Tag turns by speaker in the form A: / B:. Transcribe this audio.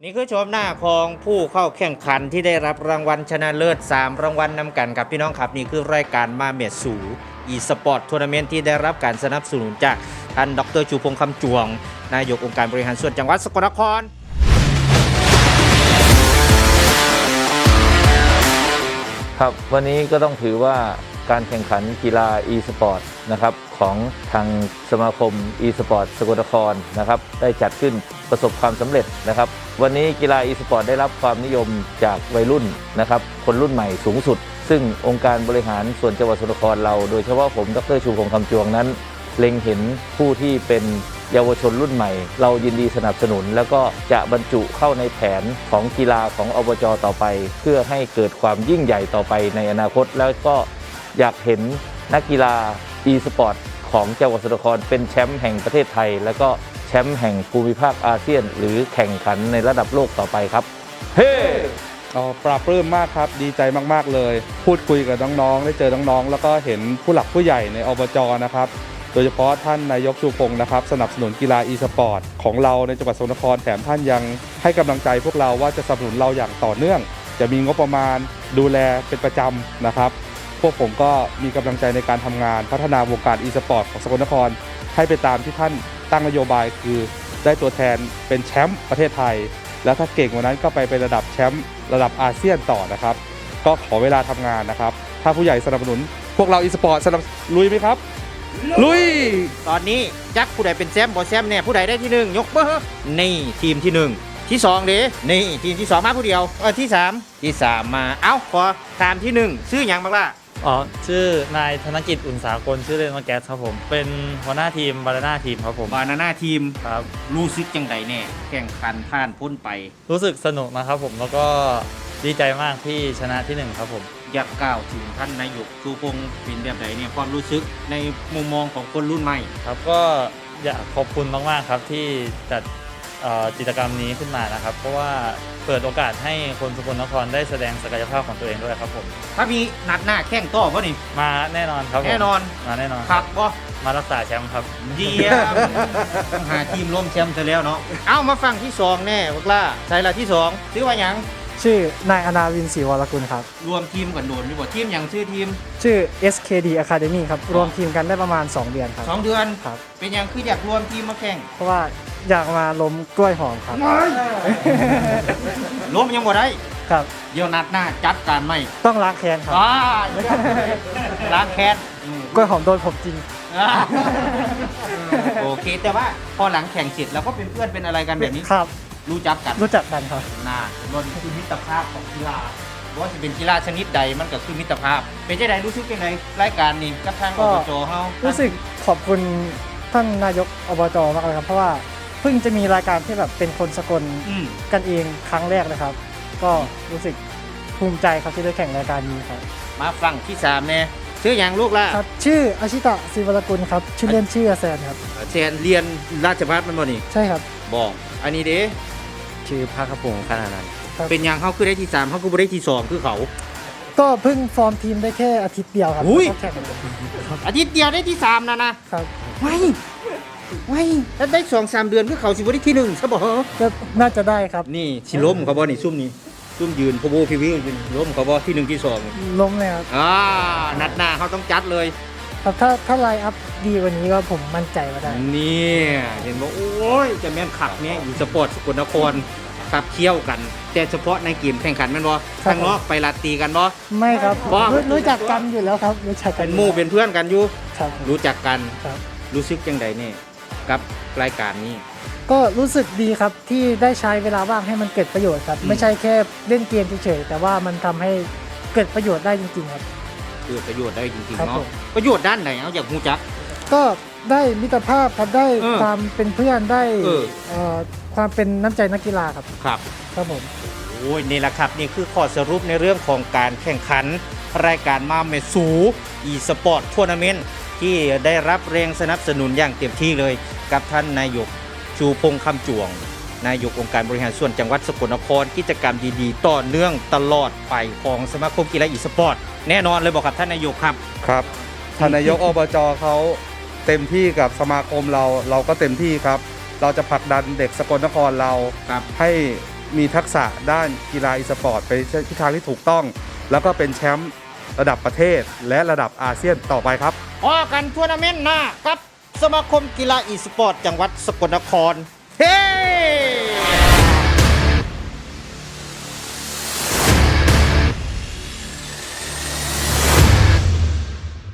A: นี่คือชมหน้าของผู้เข้าแข่งขันที่ได้รับรางวัลชนะเลิศ3รางวัลนำกันครับพี่น้องครับนี่คือรายการมาเมดสูอีสปอร์ตทัวร์นาเมนต์ที่ได้รับการสนับสนุนจากท่านดร.ชูพงษ์คำจวงนายกองค์การบริหารส่วนจังหวัดสกลนคร
B: ครับวันนี้ก็ต้องถือว่าการแข่งขันกีฬา e-sport นะครับของทางสมาคม e-sport สกลนครนะครับได้จัดขึ้นประสบความสำเร็จนะครับวันนี้กีฬา e-sport ได้รับความนิยมจากวัยรุ่นนะครับคนรุ่นใหม่สูงสุดซึ่งองค์การบริหารส่วนจังหวัดสกลนครเราโดยเฉพาะผมดร.ชูพงษ์คำจวงนั้นเล็งเห็นผู้ที่เป็นเยาวชนรุ่นใหม่เรายินดีสนับสนุนแล้วก็จะบรรจุเข้าในแผนของกีฬาของอบจ.ต่อไปเพื่อให้เกิดความยิ่งใหญ่ต่อไปในอนาคตแล้วก็อยากเห็นนักกีฬา e-sport ของจังหวัดสกลนครเป็นแชมป์แห่งประเทศไทยแล้วก็แชมป์แห่งภูมิภาคอาเซียนหรือแข่งขันในระดับโลกต่อไปครับเฮ้
C: ปลาปลื้มมากครับดีใจมากๆเลยพูดคุยกับน้องๆได้เจอน้องๆแล้วก็เห็นผู้หลักผู้ใหญ่ในอบจ.นะครับโดยเฉพาะท่านนายกชูพงษ์นะครับสนับสนุนกีฬา e-sport ของเราในจังหวัดสกลนครแถมท่านยังให้กำลังใจพวกเราว่าจะสนับสนุนเราอย่างต่อเนื่องจะมีงบประมาณดูแลเป็นประจำนะครับพวกผมก็มีกำลังใจในการทำงานพัฒนาวงการ e-sport ของสกลนครให้ไปตามที่ท่านตั้งนโยบายคือได้ตัวแทนเป็นแชมป์ประเทศไทยแล้วถ้าเก่งกว่านั้นก็ไปเป็นระดับแชมป์ระดับอาเซียนต่อนะครับก็ขอเวลาทำงานนะครับถ้าผู้ใหญ่สนับสนุนพวกเรา e-sport สนับลุยไหมครับลุย
A: ตอนนี้จักผู้ใดเป็นแชมป์บ่แชมป์เนี่ยผู้ใดได้ที่1ยกเบอร์นี่ทีมที่1ที่2เด้นี่ทีมที่2มาผู้เดียวที่3มาเอ้าขอตามที่1ชื่อหยังบักล่ะ
D: ชื่อนายธนกิจอุ่นสากลชื่อเล่นว่าแก๊สครับผมเป็นหัวหน้าทีมบานาน่าทีมครับผม
A: บานาน่าทีม
D: ครับ
A: รู้สึกจังใดแน่แข่งขันผ่านพ้นไป
D: รู้สึกสนุกนะครับผมแล้วก็ดีใจมากที่ชนะที่1ครับผม
A: อยากกล่าวถึงท่านนายกชูพงษ์เป็นแบบไหนเนี่ยความรู้สึกในมุมมองของคนรุ่นใหม่
D: ครับก็อยากขอบคุณมากๆครับที่จัดกิจกรรมนี้ขึ้นมานะครับเพราะว่าเปิดโอกาสให้คนสกลนครได้แสดงศักยภาพของตัวเองด้วยครับผม
A: ถ้ามีนัดหน้าแข่งต่อป่ะนี่
D: มาแน่นอนครับ
A: แน่นอน
D: มาแน่นอน
A: ครับป่ะ
D: มารักษาแชมป์ครับ
A: เยี่ยมต้องหาทีมร่วมแชมป์ซะแล้วเนาะเอามาฟังที่2แน่พวกล่าใช่ละที่2ชื่อว่าหยัง
E: ชื่อนายอนาวินศรีวรกุลครับ
A: รวมทีมกันโดนดีกว่าทีมอย่างชื่อทีม
E: ชื่อ SKD Academy ครับรวมทีมกันได้ประมาณ2 เดือนครับ
A: 2 เดือน
E: ครับ
A: เป็นอย่างคืออยากรวมทีมมาแข่ง
E: เพราะว่าอยากมาล้มกล้วยหอมครับ
A: ล้มยังบ่ได้
E: ครับ
A: เดี๋ยวนัดหน้าจัดการไม่
E: ต้องล้างแค้นครับ
A: ล้างแค้น
E: กล้วยหอมโดนผมจริง
A: โอเคแต่ว่าพอหลังแข่งเสร็จแล้วก็เป็นเพื่อนเป็นอะไรกันแบบนี้
E: ครับ
A: รู้จักกัน
E: ครับ
A: น่าล้นคือมิตรภาพของกีฬาว่าจะเป็นกีฬาชนิดใดมันก็คือมิตรภาพเป็นจังไดรู้สึกยังไงรายการนี้กับทางอบจเฮา
E: รู้สึกขอบคุณท่านนายกอบจมากเลยครับเพราะว่าเพิ่งจะมีรายการที่แบบเป็นคนสกลกันเองครั้งแรกเลยครับก็รู้สึกภูมิใจครับที่ได้แข่งรายการนี้ครับ
A: มาฟังที่3เนี่ยชื่ออย่างลูกล่ะ
E: ครับชื่ออาชิตะศิวรกุลครับชื่อเล่นชื่อแซนครับ
A: แซนเรียนราชภัฏมันบ่นี่
E: ใช่ครับ
A: บอกอันนี้เด้
D: ชื่อภาคพงษ์ขนาดนั้น
A: เป็นอย่างเขาคือได้ที่3เขาคือบ่ได้ที่2คือเขา
E: ก็เพิ่งฟอร์มทีมได้แค่อาทิตย์เดียวครับแข่ง
A: อาทิตย์เดียวได้ที่3นะครับไม่ถ้าได้ 2-3 เดือนคือเขาสิบ่ได้ที่1ซะบ่
E: ก็น่าจะได้ครับ
A: นี่สิล้มเขาบ่นี่ซุ่มนี้ซุ่มยืนพบูพีวีล้มเขาบ่ที่1ที่2
E: ล้มเลยครับ
A: นัดหน้าเขาต้องจัดเลย
E: ครับถ้าไลน์อัพดีกว่านี้ก็ผมมั่นใจว่าได้
A: นี่เห็นว่าโอ้ยจะแม่นขับเนี่ยอยู่สปอร์ตสกลนครขับเคี่ยวกันแต่เฉพาะในเกมแข่งขันแม่นบ่ข้างนอกไปลาตีกันบ่
E: ไม่ครับรู้จักกันอยู่แล้วครับรู้จักกัน
A: เป็นหมู่เป็นเพื่อนกันอยู่
E: ครับ
A: รู้จักกัน
E: ครับ
A: รู้สึกจังใดนี่กับรายการนี้
E: ก็รู้สึกดีครับที่ได้ใช้เวลาว่างให้มันเกิดประโยชน์ครับไม่ใช่แค่เล่นเกมเฉยๆแต่ว่ามันทำให้เกิดประโยชน์ได้จริงๆครับ
A: เกิดประโยชน์ได้จริงๆเนาะประโยชน์ด้านไหนเอาอยากรู้จัก
E: ก็ได้มิตรภาพครับได้ความเป็นเพื่อนได้ความเป็นน้ำใจนักกีฬาครับครับผม
A: โอ้ยนี่แหละครับนี่คือข้อสรุปในเรื่องของการแข่งขันรายการมาเมสูอีสปอร์ตทัวร์นาเมนต์ที่ได้รับแรงสนับสนุนอย่างเต็มที่เลยกับท่านนายกชูพงษ์คำจวงนายกองค์การบริหารส่วนจังหวัดสกลนครกิจกรรมดีๆต่อเนื่องตลอดไปของสมาคมกีฬาอีสปอร์ตแน่นอนเลยบอกครับท่านนายกครับ
C: ครับท่านนายกอบจเขาเต็มที่กับสมาคมเราก็เต็มที่ครับเราจะผลักดันเด็กสกลนครเราให้มีทักษะด้านกีฬาอีสปอร์ตไปทิศทางที่ถูกต้อง แล้วก็เป็นแชมป์ระดับประเทศและระดับอาเซียนต่อไปครับ
A: พอกันทัวร์นาเมนต์หน้ากับสมาคมกีฬาอีสปอร์ตจังหวัดสกลนคร เฮ้